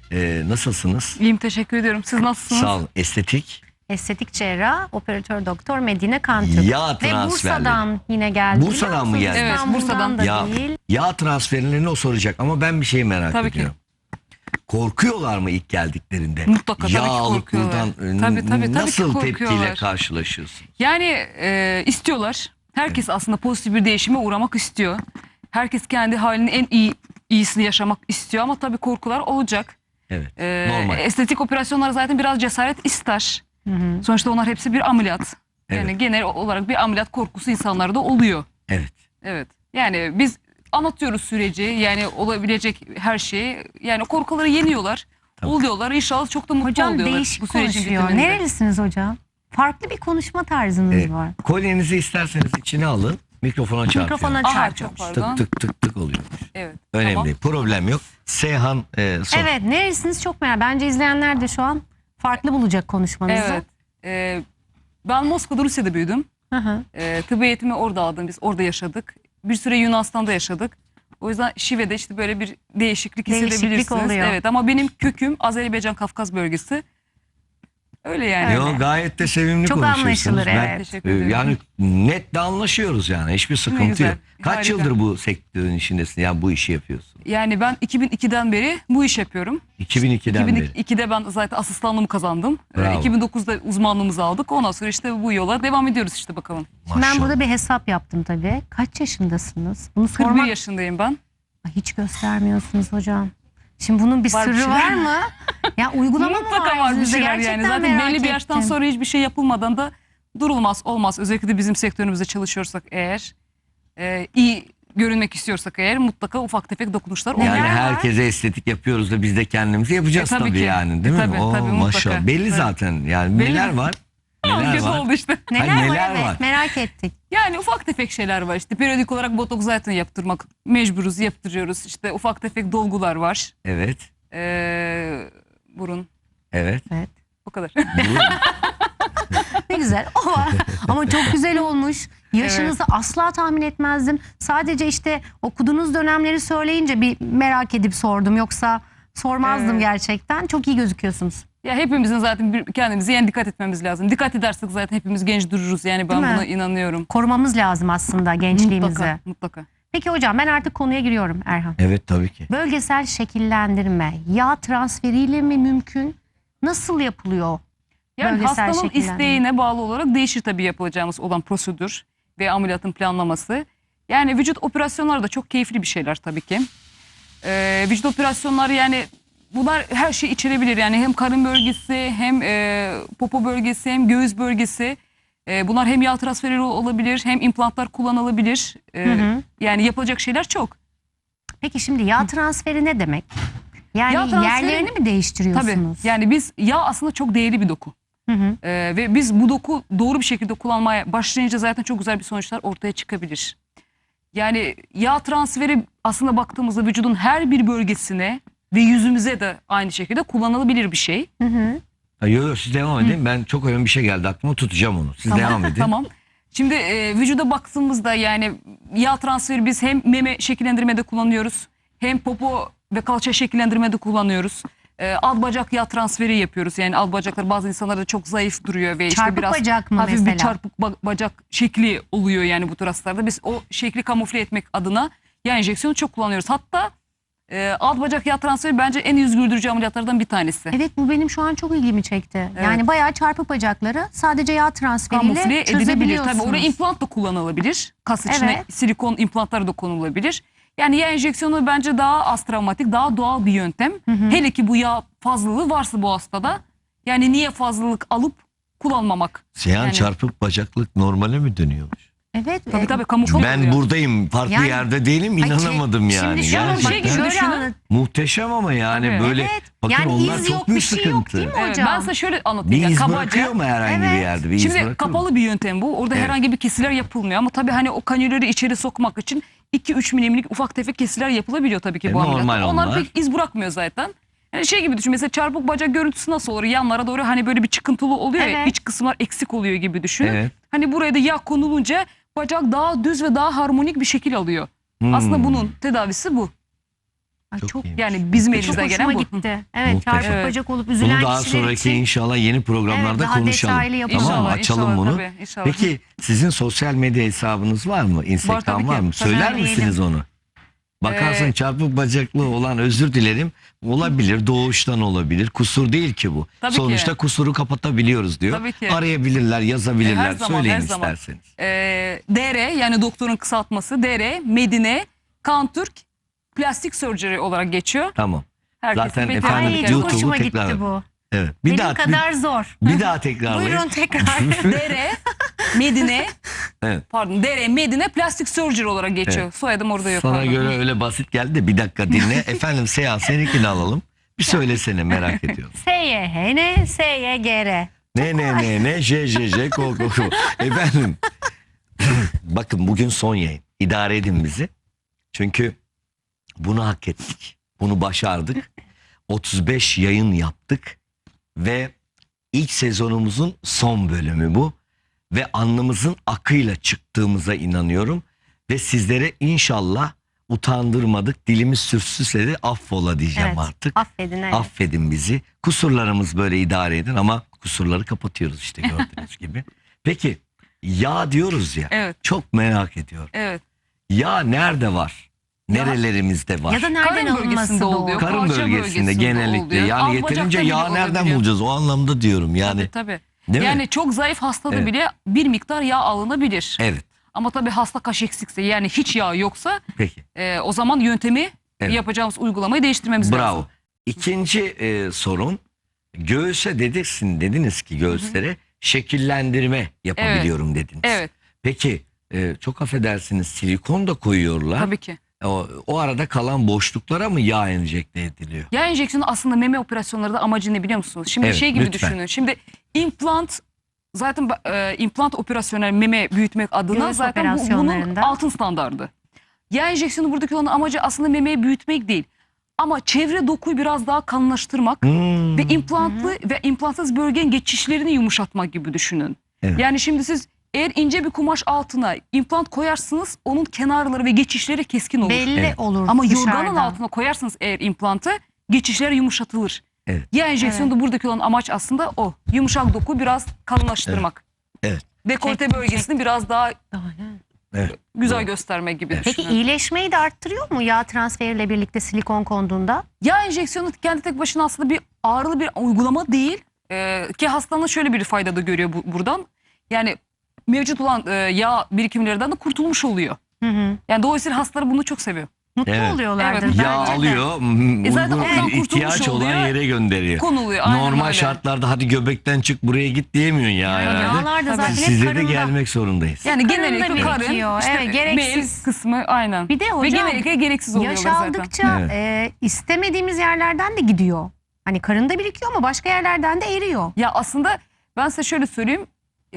Nasılsınız? İyiyim, teşekkür ediyorum. Siz nasılsınız? Sağ olun. Estetik cerrah, operatör doktor Medine Kantürk. Yağ Ve transferleri. Bursa'dan yine geldi. Bursa'dan mı geldi? Evet, Bursa'dan. da değil. Yağ transferlerini o soracak ama ben bir şey merak Tabii ki. ediyorum. Korkuyorlar mı ilk geldiklerinde? Mutlaka, tabii Yağ ki alıp korkuyorlar. buradan Tabii ki nasıl korkuyorlar. tepkiyle karşılaşıyorsun? Yani istiyorlar. Herkes aslında pozitif bir değişime uğramak istiyor. Herkes kendi halinin en iyisini yaşamak istiyor ama tabii korkular olacak. Evet. Normal. Estetik operasyonlar zaten biraz cesaret ister. Sonuçta onlar hepsi bir ameliyat. Yani Evet. genel olarak bir ameliyat korkusu insanlarda oluyor. Evet. Evet. Yani biz anlatıyoruz süreci, yani olabilecek her şeyi. Yani korkuları yeniyorlar. Tamam. Oluyorlar. İnşallah çok da mutlu Hocam oluyorlar değişik bu sürecin konuşuyor. bitiminde. Nerelisiniz hocam? Farklı bir konuşma tarzınız var. Kolyenizi isterseniz içine alın. Mikrofona çarpıyor. Mikrofona Aha, çarpıyor. çok pardon. Tık tık tık tık oluyor. Evet. Önemli tamam. değil. Problem yok. Seyhan sor. Evet, nerelisiniz çok merak. Bence izleyenler de şu an farklı bulacak konuşmanızı. Evet. Ben Moskova'da, Rusya'da büyüdüm. Hı hı. Tıp eğitimi orada aldım. Biz orada yaşadık. Bir süre Yunanistan'da yaşadık. O yüzden şivede işte böyle bir değişiklik hissedebilirsiniz. oluyor. Evet, ama benim köküm Azerbaycan Kafkas bölgesi. Öyle yani. Yo, gayet de sevimli Çok konuşuyorsunuz. anlaşılır, Ben, evet. Teşekkür ederim. yani net de anlaşıyoruz yani. Hiçbir sıkıntı güzel, yok. Kaç harika. yıldır bu sektörün içindesin? Yani bu işi yapıyorsun. Yani ben 2002'den beri bu iş yapıyorum. 2002'den beri. 2002'de ben zaten asistanlığımı kazandım. Bravo. 2009'da uzmanlığımızı aldık. Ondan sonra işte bu yola devam ediyoruz işte bakalım. Şimdi ben burada bir hesap yaptım tabii. Kaç yaşındasınız? Bunu 41 sormak yaşındayım ben. Ay, hiç göstermiyorsunuz hocam. Şimdi bunun bir Var bir sırrı şeyler. var mı? Ya uygulama mı Mutlaka var bir yüzünüzde? şeyler yani. Gerçekten Zaten merak belli bir yaştan ettim. sonra hiçbir şey yapılmadan da durulmaz, olmaz. Özellikle de bizim sektörümüzde çalışıyorsak eğer, iyi görünmek istiyorsak eğer mutlaka ufak tefek dokunuşlar Yani oluyor. Neler var? herkese estetik yapıyoruz da biz de kendimizi yapacağız tabii tabii ki. yani, değil mi? Tabii, Oo, tabii, mutlaka. maşallah. Belli Evet. zaten yani. Belli. Neler var? Neler Kötü var? oldu işte. Neler, Hayır, var? neler Evet, var? merak ettik. Yani ufak tefek şeyler var işte. Periyodik olarak botoks zaten yaptırmak mecburuz, yaptırıyoruz. İşte ufak tefek dolgular var. Evet. Burun. Evet. Evet. O kadar. Ne güzel. O var. Ama çok güzel olmuş. Yaşınızı asla tahmin etmezdim. Sadece işte okuduğunuz dönemleri söyleyince bir merak edip sordum. Yoksa sormazdım Evet. gerçekten. Çok iyi gözüküyorsunuz. Ya hepimizin zaten kendimize yani dikkat etmemiz lazım. Dikkat edersek zaten hepimiz genç dururuz. Yani ben Değil mi? buna inanıyorum. Korumamız lazım aslında gençliğimizi. Mutlaka, mutlaka. Peki hocam, ben artık konuya giriyorum Erhan. Evet tabii ki. Bölgesel şekillendirme yağ transferiyle mi mümkün? Nasıl yapılıyor? Yani Bölgesel hastanın şekillendirme. isteğine bağlı olarak değişir tabii yapılacağımız olan prosedür ve ameliyatın planlaması. Yani vücut operasyonları da çok keyifli bir şeyler tabii ki. Vücut operasyonları yani bunlar her şeyi içerebilir. Yani hem karın bölgesi hem popo bölgesi hem göğüs bölgesi. Bunlar hem yağ transferi olabilir hem implantlar kullanılabilir. Yani yapılacak şeyler çok. Peki şimdi yağ transferi ne demek? Yani Yağ transferi- yerlerini mi değiştiriyorsunuz? Tabii yani yağ aslında çok değerli bir doku. Hı hı. Ve biz bu doku doğru bir şekilde kullanmaya başlayınca zaten çok güzel bir sonuçlar ortaya çıkabilir. Yani yağ transferi aslında baktığımızda vücudun her bir bölgesine ve yüzümüze de aynı şekilde kullanılabilir bir şey. Hı hı. Yok siz devam edin. Ben çok önemli bir şey geldi aklıma, tutacağım onu. Siz devam edin. Tamam. Şimdi vücuda baktığımızda yani yağ transferi biz hem meme şekillendirmede kullanıyoruz. Hem popo ve kalça şekillendirmede kullanıyoruz. Alt bacak yağ transferi yapıyoruz. Yani alt bacaklar bazı insanlarda çok zayıf duruyor ve işte Çarpık biraz bacak mı hafif mesela? bir çarpık bacak şekli oluyor yani bu tür hastalarda. Biz o şekli kamufle etmek adına yağ enjeksiyonu çok kullanıyoruz. Hatta alt bacak yağ transferi bence en yüz güldürücü ameliyatlardan bir tanesi. Evet, bu benim şu an çok ilgimi çekti. Evet. Yani bayağı çarpık bacakları sadece yağ transferiyle Kamufle edilebilir. çözebiliyorsunuz. Tabii oraya implant da kullanılabilir. Kas içine Evet. silikon implantları da konulabilir. Yani yağ enjeksiyonu bence daha az travmatik, daha doğal bir yöntem. Hele ki bu yağ fazlalığı varsa bu hastada. Yani niye fazlalık alıp kullanmamak? Seyhan Yani- çarpık bacaklık normale mi dönüyormuş? Evet. Tabii kamufle Ben oluyor. buradayım, farklı Yani- yerde değilim, Ay, inanamadım yani. Şimdi şöyle, Gerçekten. bak, şöyle Düşünün. anlat- Muhteşem ama yani Tabii. böyle Evet. bakın Yani onlar iz çok yok, büyük bir şey sıkıntı. yok değil mi Evet, hocam? ben size şöyle Bir anlatayım. Yani iz kabaca. bırakıyor mu herhangi bir Evet. yerde? Bir iz Şimdi bırakıyor mu? kapalı bir yöntem bu. Orada Evet. herhangi bir kesiler yapılmıyor ama tabii hani o kanülleri içeri sokmak için 2-3 milimlik ufak tefek kesiler yapılabiliyor tabii ki bu normal ameliyatta. Onlar onlar. pek iz bırakmıyor zaten. Yani şey gibi düşün, mesela çarpık bacak görüntüsü nasıl olur? Yanlara doğru hani böyle bir çıkıntılı oluyor ya, Evet. iç kısımlar eksik oluyor gibi düşünün. Evet. Hani buraya da yağ konulunca bacak daha düz ve daha harmonik bir şekil alıyor. Aslında bunun tedavisi bu. Ay, Çok çok iyiymiş. Yani bizim çok elimizden hoşuma gelen bu. gitti. Evet, Muhteşem. çarşaf Evet. bacak olup üzülen Bunu daha kişiler sonraki için. inşallah yeni programlarda Evet, daha konuşalım. detaylı yapalım. Tamam mı? İnşallah, Açalım inşallah, bunu. tabii, inşallah. Peki sizin sosyal medya hesabınız var mı? Instagram tabii var ki. mı? Tabii. Söyler Söyleyelim. misiniz onu? Bakarsın çarpık bacaklı olan, özür dilerim, olabilir, doğuştan olabilir. Kusur değil ki bu. Tabii Sonuçta ki. kusuru kapatabiliyoruz diyor. Tabii ki. Arayabilirler, yazabilirler. Her zaman, Söyleyin her zaman. isterseniz. DR yani doktorun kısaltması DR Medine Kantürk Plastik Surgery olarak geçiyor. Tamam. Herkesin Zaten bir efendim, Ay, tanıdık çok YouTube'u hoşuma tekrar- gitti bu. Evet. Bir Benim daha kadar zor. bir daha tekrarlayın. Buyurun tekrar. DR Medine Evet. pardon DR Medine Plastik Surgery olarak geçiyor. Evet. Soyadım orada yok. Sana pardon. göre öyle basit geldi de bir dakika dinle. Efendim Seyhan, seninkini alalım. Bir söylesene, merak ediyorum. SYHN, SYGR. Ne J ko. Efendim bakın, bugün son yayın. İdare edin bizi. Çünkü bunu hak ettik. Bunu başardık. 35 yayın yaptık ve ilk sezonumuzun son bölümü bu. Ve alnımızın akıyla çıktığımıza inanıyorum. Ve sizlere inşallah utandırmadık. Dilimiz sürçsüzse de affola diyeceğim Evet, artık. affedin. Evet. Affedin bizi. Kusurlarımız böyle idare edin ama kusurları kapatıyoruz işte, gördüğünüz gibi. Peki yağ diyoruz ya. Evet. Çok merak ediyorum. Evet. Yağ nerede var? Nerelerimizde var? Ya da nereden Karın alınması bölgesinde doğru? oluyor. Karın kalça bölgesinde genellikle. oluyor. Yani Alt yeterince bacakta bile yağ nereden olabiliyor. bulacağız? O anlamda diyorum yani. Tabii. Değil mi? Yani çok zayıf hastada Evet. bile bir miktar yağ alınabilir. Evet. Ama tabii hasta kaş eksikse, yani hiç yağ yoksa Peki. o zaman yöntemi, Evet. yapacağımız uygulamayı değiştirmemiz lazım. Bravo. İkinci sorun, göğüse dediniz ki göğüslere şekillendirme yapabiliyorum dediniz. Evet, Peki çok affedersiniz, silikon da koyuyorlar. tabii ki. O arada kalan boşluklara mı yağ enjekte ediliyor? Yağ enjeksiyonu aslında meme operasyonları da amacı ne biliyor musunuz? Şimdi Evet, şey gibi lütfen. düşünün. Şimdi implant, zaten implant operasyonel meme büyütmek adına Göğüs zaten bunun operasyonlarında. altın standardı. Yağ enjeksiyonu buradaki olan amacı aslında memeyi büyütmek değil. Ama çevre dokuyu biraz daha kalınlaştırmak ve implantlı ve implantsız bölgenin geçişlerini yumuşatmak gibi düşünün. Evet. Yani şimdi siz eğer ince bir kumaş altına implant koyarsınız, onun kenarları ve geçişleri keskin olur. Belli Evet. olur Ama dışarıdan. yorganın altına koyarsınız eğer implantı, geçişler yumuşatılır. Evet. Yağ enjeksiyonunda buradaki olan amaç aslında o. Yumuşak dokuyu biraz kalınlaştırmak. Evet. Dekolte Çek- bölgesini biraz daha Evet. güzel Doğru. göstermek gibi Evet. Peki düşünün. iyileşmeyi de arttırıyor mu yağ transferiyle birlikte silikon konduğunda? Yağ enjeksiyonu kendi tek başına aslında bir ağrılı bir uygulama değil. Ki hastanın şöyle bir fayda da görüyor buradan. Yani mevcut olan yağ birikimlerinden de kurtulmuş oluyor. Hı hı. Yani dolayısıyla hastaları bunu çok seviyor. Mutlu Evet. oluyorlardır. Evet. Yağ bence de. alıyor, zaten ondan uygun ihtiyaç kurtulmuş olan oluyor. yere gönderiyor. Konuluyor. Aynen Normal öyle. şartlarda hadi göbekten çık buraya git diyemiyorsun ya Yani herhalde. yağlar da zaten hep Size de karında. gelmek zorundayız. Yani Karında genellikle karın, birikiyor. işte Evet, gereksiz. bel kısmı aynen. Bir de Ve hocam genellikle gereksiz oluyorlar yaş zaten. aldıkça Evet. istemediğimiz yerlerden de gidiyor. Hani karında birikiyor ama başka yerlerden de eriyor. Ya aslında ben size şöyle söyleyeyim.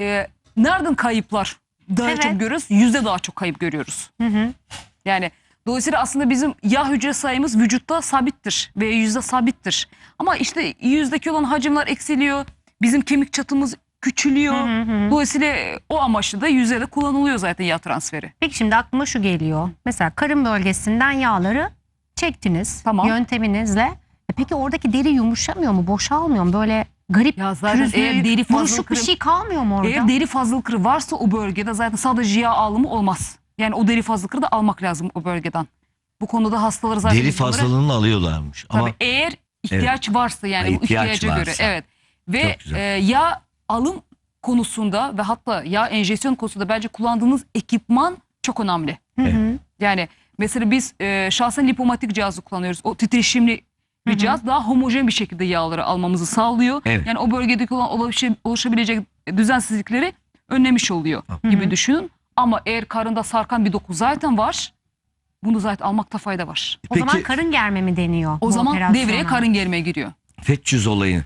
Nereden kayıplar daha Evet. çok görüyoruz? Yüzde daha çok kayıp görüyoruz. Hı hı. Yani dolayısıyla aslında bizim yağ hücre sayımız vücutta sabittir ve yüzde sabittir. Ama işte yüzdeki olan hacimler eksiliyor. Bizim kemik çatımız küçülüyor. Hı hı. Dolayısıyla o amaçlı da yüzde de kullanılıyor zaten yağ transferi. Peki şimdi aklıma şu geliyor. Mesela karın bölgesinden yağları çektiniz Tamam. yönteminizle. Peki oradaki deri yumuşamıyor mu? Boşalmıyor mu? Böyle garip Ya zaten pürüzlü, eğer deri buruşuk bir fazlalıkları- şey kalmıyor mu orada? Eğer deri fazlalıkları varsa o bölgede zaten sadece yağ alımı olmaz. Yani o deri fazlalıkları da almak lazım o bölgeden. Bu konuda hastaları zaten Deri biz bunları- fazlalığını alıyorlarmış. Tabii Ama eğer ihtiyaç varsa, yani Ha, bu ihtiyaç ihtiyaca göre. varsa. Evet. Ve Çok güzel. yağ alım konusunda ve hatta yağ enjeksiyon konusunda bence kullandığınız ekipman çok önemli. Hı hı. Yani mesela biz şahsen lipomatik cihazı kullanıyoruz. O titreşimli bir cihaz daha homojen bir şekilde yağları almamızı sağlıyor. Evet. Yani o bölgedeki olan oluşabilecek düzensizlikleri önlemiş oluyor gibi düşünün. Ama eğer karında sarkan bir doku zaten var, bunu zaten almakta fayda var. O zaman peki karın germe mi deniyor? O bu zaman operasyona? devreye karın germeye giriyor. FETÖ'cüz olayı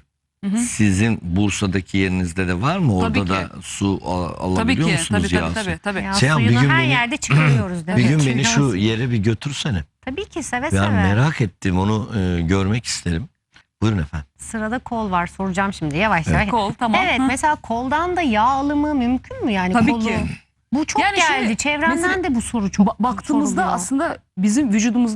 sizin Bursa'daki yerinizde de var mı? Orada Tabii da ki. su Tabii alabiliyor ki. musunuz Tabii, ya? tabii, tabii, tabii. Ya Seyhan, bir suyunu gün her beni- yerde çıkarıyoruz. Bir gün Evet. beni şu yere bir götürsene. Tabii ki seve Ben seve. merak ettim, onu görmek isterim. Buyurun efendim. Sırada kol var, soracağım şimdi yavaş yavaş. Kol, tamam. Evet, Hı. mesela koldan da yağ alımı mümkün mü yani? Tabii Kolu? ki. Bu çok Yani geldi. şimdi Çevremden mesela de bu soru çok Baktığımızda soruluyor. aslında bizim vücudumuzda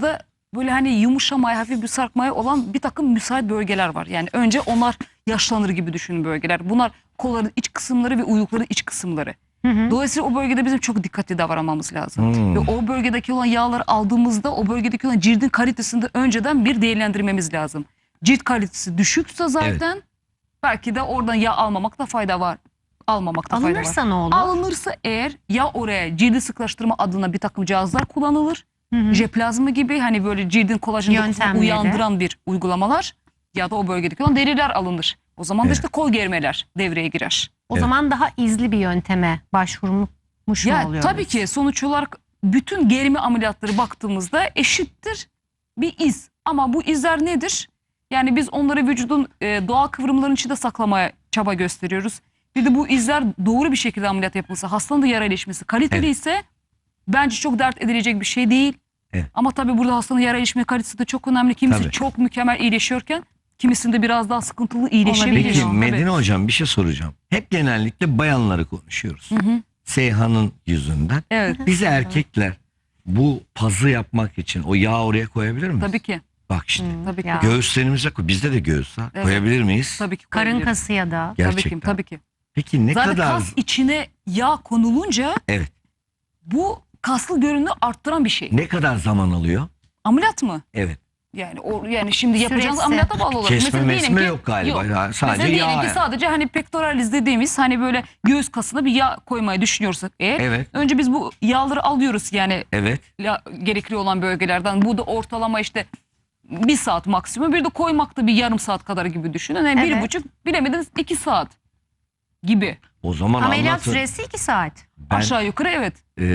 böyle hani yumuşamaya, hafif bir sarkmaya olan bir takım müsait bölgeler var. Yani önce onlar yaşlanır gibi düşünün bölgeler. Bunlar kolların iç kısımları ve uylukların iç kısımları. Dolayısıyla o bölgede bizim çok dikkatli davranmamız lazım. Ve o bölgedeki olan yağları aldığımızda o bölgedeki olan cildin kalitesini de önceden bir değerlendirmemiz lazım. Cilt kalitesi düşükse zaten belki de oradan yağ almamakta fayda var. Almamakta fayda var. Alınırsa ne olur? Alınırsa eğer ya oraya cildi sıklaştırma adına bir takım cihazlar kullanılır. Jeplazma gibi hani böyle cildin kolajen dokusunu Yöntemleri. uyandıran bir uygulamalar ya da o bölgedeki olan deriler alınır. O zaman da Evet. işte kol germeler devreye girer. O zaman daha izli bir yönteme başvurmuş mu Ya oluyoruz? tabii ki sonuç olarak bütün germe ameliyatları baktığımızda eşittir bir iz. Ama bu izler nedir? Yani biz onları vücudun doğal kıvrımların içinde saklamaya çaba gösteriyoruz. Bir de bu izler doğru bir şekilde ameliyat yapılsa, hastanın da yara iyileşmesi kaliteli Evet. ise bence çok dert edilecek bir şey değil. Evet. Ama tabii burada hastanın yara iyileşme kalitesi de çok önemli. Kimisi Tabii. çok mükemmel iyileşiyorken kimisinde biraz daha sıkıntılı iyileşebiliyor. Olabilir. Peki Tabii. Medine hocam bir şey soracağım. Hep genellikle bayanları konuşuyoruz. Seyhan'ın yüzünden. Evet, Biz erkekler bu pazı yapmak için o yağı oraya koyabilir miyiz? tabii ki. Bak işte Tabii ki. Ya. göğüslerimize bizde de göğüs var. Evet. Koyabilir miyiz? Tabii ki. Karın koyabiliriz. kası ya da. Gerçekten. Tabii ki. Tabii ki. Peki ne Zaten kadar? kas içine yağ konulunca Evet. bu kaslı görünümü arttıran bir şey. Ne kadar zaman alıyor? Ameliyat mı? Evet. Yani şimdi yapacağınız Süresi. ameliyata bağlı olarak. Kesme Mesela diyelim mesme ki- yok galiba. Yok. Ya, sadece Mesela diyelim yağ. ki sadece hani pectoralis dediğimiz hani böyle göğüs kasına bir yağ koymayı düşünüyorsak eğer. Evet. Önce biz bu yağları alıyoruz yani Evet. gerekli olan bölgelerden. Bu da ortalama işte 1 saat maksimum. Bir de koymakta bir yarım saat kadar gibi düşünün. Yani Evet. 1,5 bilemediniz 2 saat gibi. O zaman Ameliyat anlatın. süresi 2 saat. Ben, Aşağı yukarı evet.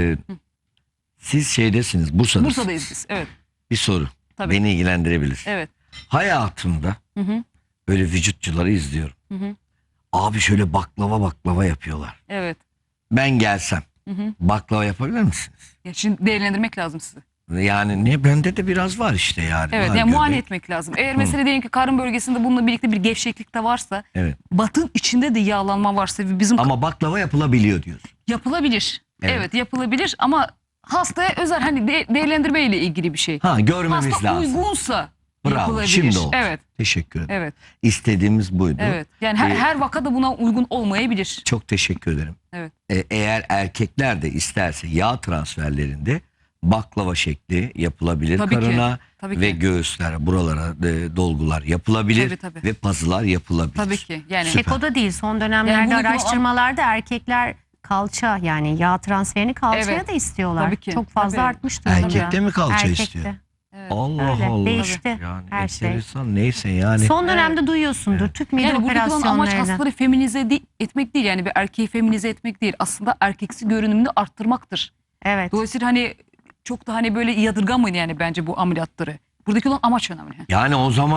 siz şeydesiniz, Bursa'dasınız. Bursa'dayız biz. Evet. Bir soru. Tabii. Beni ilgilendirebilir. Evet. Hayatımda Hı hı. böyle vücutçuları izliyorum. Hı hı. Abi şöyle baklava yapıyorlar. Evet. Ben gelsem Hı hı. baklava yapabilir misiniz? Ya şimdi değerlendirmek lazım sizi. Yani ne bende de biraz var işte yani. Evet, Var yani muayene göbek. etmek lazım. Eğer mesela diyelim ki karın bölgesinde bununla birlikte bir gevşeklik de varsa, Evet. batın içinde de yağlanma varsa ve bizim Ama baklava yapılabiliyor diyorsun. yapılabilir. Evet. Evet. Yapılabilir ama hastaya özel hani değerlendirme ile ilgili bir şey. Ha görmemiz Hasta lazım. uygunsa Bravo. yapılabilir. Şimdi oldu. Evet, Teşekkür ederim. evet, İstediğimiz buydu. evet. Yani her vakada buna uygun olmayabilir. Çok teşekkür ederim. Evet. Eğer erkekler de isterse yağ transferlerinde baklava şekli yapılabilir Tabii ki, karına tabii ve ki. göğüslere, buralara dolgular yapılabilir Tabii, tabii. ve pazılar yapılabilir. Tabii ki. Yani Süper. Tek o da değil. Son dönemlerde Yani bunu- araştırmalarda erkekler kalça yani yağ transferini kalçaya Evet. da istiyorlar. Tabii ki. Çok fazla Tabii. artmış durumda. Erkekte mi kalça Erkekte. istiyor? Evet. Allah Öyle, Allah. değişti Yani her şey. enteresan neyse yani. Son dönemde duyuyorsundur tüp mide Yani buradaki olan amaç operasyonlarını. hastaları feminize etmek değil. Yani bir erkeği feminize etmek değil. Aslında erkeksi görünümünü arttırmaktır. Evet. Dolayısıyla hani çok da hani böyle yadırgamayın yani bence bu ameliyatları. Buradaki olan amaç önemli. Yani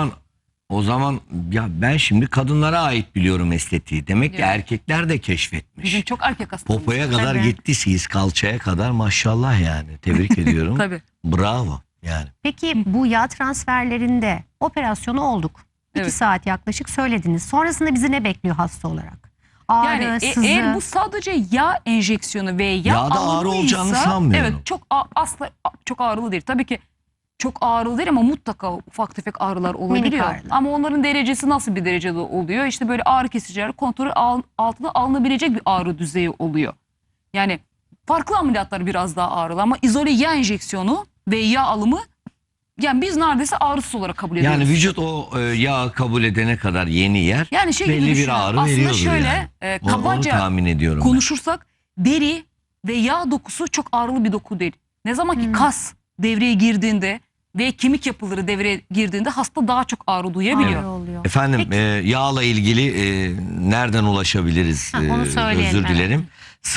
o zaman ya ben şimdi kadınlara ait biliyorum estetiği. Demek ki Evet. erkekler de keşfetmiş. Bizim çok erkek hastamız. Popoya kadar Tabii. gittiysiz kalçaya kadar maşallah yani. Tebrik ediyorum. Tabii. Bravo yani. Peki bu yağ transferlerinde operasyonu olduk. 2 Evet. saat yaklaşık söylediniz. Sonrasında bizi ne bekliyor hasta olarak? Ağrı, Yani sızı. eğer bu sadece yağ enjeksiyonu ve yağ Yağda ağrı alımıysa, olacağını sanmıyorum. Evet çok asla çok ağrılı değil. Tabii ki çok ağrılı değil ama mutlaka ufak tefek ağrılar olabiliyor. ağrılar. Ama onların derecesi nasıl bir derecede oluyor? İşte böyle ağrı kesiciler kontrol altına alınabilecek bir ağrı düzeyi oluyor. Yani farklı ameliyatlar biraz daha ağrılı ama izole yağ enjeksiyonu ve yağ alımı yani biz neredeyse ağrısız olarak kabul ediyoruz. Yani vücut o yağı kabul edene kadar yeni yer. Yani şey gibi belli bir düşünün. ağrı Aslında veriyordur şöyle yani. Onu kabaca tahmin ediyorum ben. konuşursak deri ve yağ dokusu çok ağrılı bir doku değil. Ne zaman ki kas devreye girdiğinde ve kemik yapıları devreye girdiğinde hasta daha çok ağrı duyabiliyor. Ağrı oluyor. Efendim Peki. yağla ilgili nereden ulaşabiliriz? Ha, onu söyleyelim, Özür dilerim.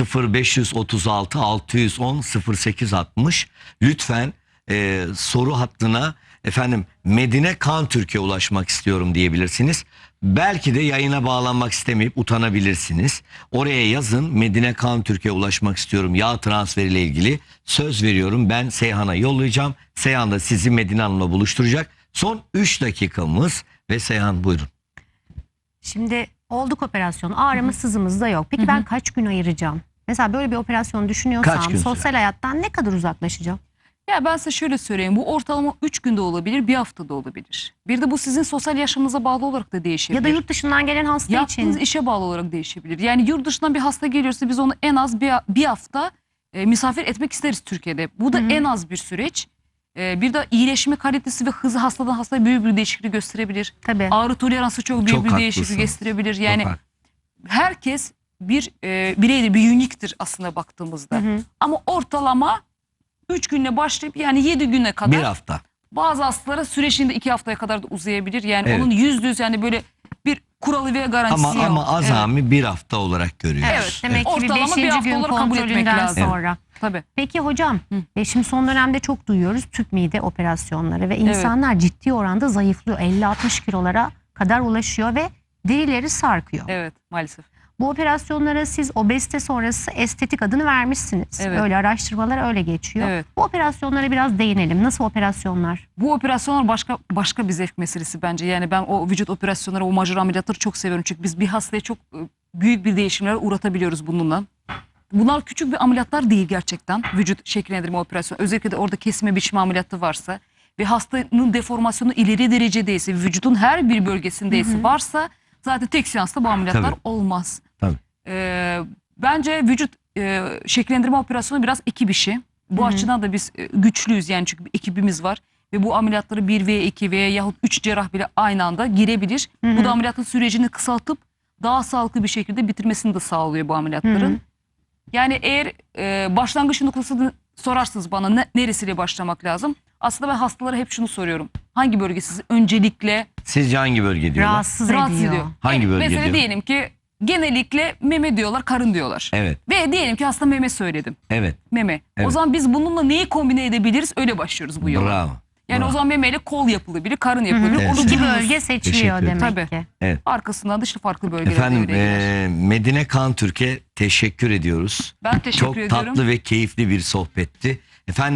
0536 610 0860 lütfen soru hattına efendim Medine Kan Türkiye ulaşmak istiyorum diyebilirsiniz. Belki de yayına bağlanmak istemeyip utanabilirsiniz. Oraya yazın Medine Kan Türkiye ulaşmak istiyorum yağ transferiyle ilgili. Söz veriyorum ben Seyhan'a yollayacağım. Seyhan da sizi Medine Hanım'la buluşturacak. Son 3 dakikamız ve Seyhan buyurun. Şimdi olduk operasyonu. Ağrımız sızımız da yok. Peki ben kaç gün ayıracağım? Mesela böyle bir operasyon Kaç düşünüyorsam gün sosyal hayattan ne kadar uzaklaşacağım? Ya ben size şöyle söyleyeyim. Bu ortalama 3 günde olabilir, bir haftada olabilir. Bir de bu sizin sosyal yaşamınıza bağlı olarak da değişebilir. Ya da yurt dışından gelen hasta yaptığınız için. işe bağlı olarak değişebilir. Yani yurt dışından bir hasta geliyorsa biz onu en az bir hafta misafir etmek isteriz Türkiye'de. Bu da en az bir süreç. Bir de iyileşme kalitesi ve hızı hastadan hastaya büyük bir değişiklik gösterebilir. Tabii. Ağrı toleransı çok büyük Çok bir haklısın. değişiklik gösterebilir. Çok Yani haklı. herkes bir bireydir, bir uniktir aslında baktığımızda. Ama ortalama 3 günle başlayıp yani 7 güne kadar. Bir hafta. Bazı hastalara süreçinde 2 haftaya kadar da uzayabilir. Yani Evet. onun %100 yani böyle bir kuralı ve garantisi yok. Ama Evet. azami bir hafta olarak görüyoruz. Evet. Demek ki bir Ortalama bir 5. hafta gün olarak kabul etmek kontrolünden lazım. sonra. Tabii. Peki hocam, şimdi son dönemde çok duyuyoruz tüp mide operasyonları ve insanlar ciddi oranda zayıflıyor. 50-60 kilolara kadar ulaşıyor ve derileri sarkıyor. Evet maalesef. Bu operasyonlara siz obezite sonrası estetik adını vermişsiniz. Evet. Öyle araştırmalar öyle geçiyor. Evet. Bu operasyonlara biraz değinelim. Nasıl operasyonlar? Bu operasyonlar başka bir zevk meselesi bence. Yani ben o vücut operasyonları, o majör ameliyatları çok seviyorum. Çünkü biz bir hastaya çok büyük bir değişimler uğratabiliyoruz bununla. Bunlar küçük bir ameliyatlar değil gerçekten. Vücut şekillendirme operasyonu. Özellikle de orada kesme biçme ameliyatı varsa ve hastanın deformasyonu ileri derecedeyse, vücudun her bir bölgesindeyse varsa zaten tek seansta bu ameliyatlar Tabii. olmaz. Tabii. Bence vücut şekillendirme operasyonu biraz ekip işi. Bu açıdan da biz güçlüyüz yani çünkü bir ekibimiz var. Ve bu ameliyatları 1 veya 2 veya yahut 3 cerrah bile aynı anda girebilir. Bu da ameliyatın sürecini kısaltıp daha sağlıklı bir şekilde bitirmesini de sağlıyor bu ameliyatların. Yani eğer başlangıç noktasını sorarsınız bana neresiyle başlamak lazım? Aslında ben hastalara hep şunu soruyorum. Hangi bölge sizi öncelikle Sizce hangi bölge diyorlar? Rahatsız rahatsız ediyor. ediyor? Hangi Yani bölge mesela diyor? diyelim ki genellikle meme diyorlar, karın diyorlar. Evet. Ve diyelim ki hasta meme söyledim. Evet. Meme. Evet. O zaman biz bununla neyi kombine edebiliriz? Öyle başlıyoruz bu yola. Bravo. Yani Bravo. o zaman memeyle kol yapılabilir, karın yapılabilir. Evet. Orada İki dururuz. bölge Teşekkür seçiliyor ederim. demek Tabii. ki. Evet. Arkasından da işte farklı bölgeler Efendim devreye girer. Medine Kan Türk'e teşekkür ediyoruz. Ben teşekkür Çok ediyorum. tatlı ve keyifli bir sohbetti. Efendim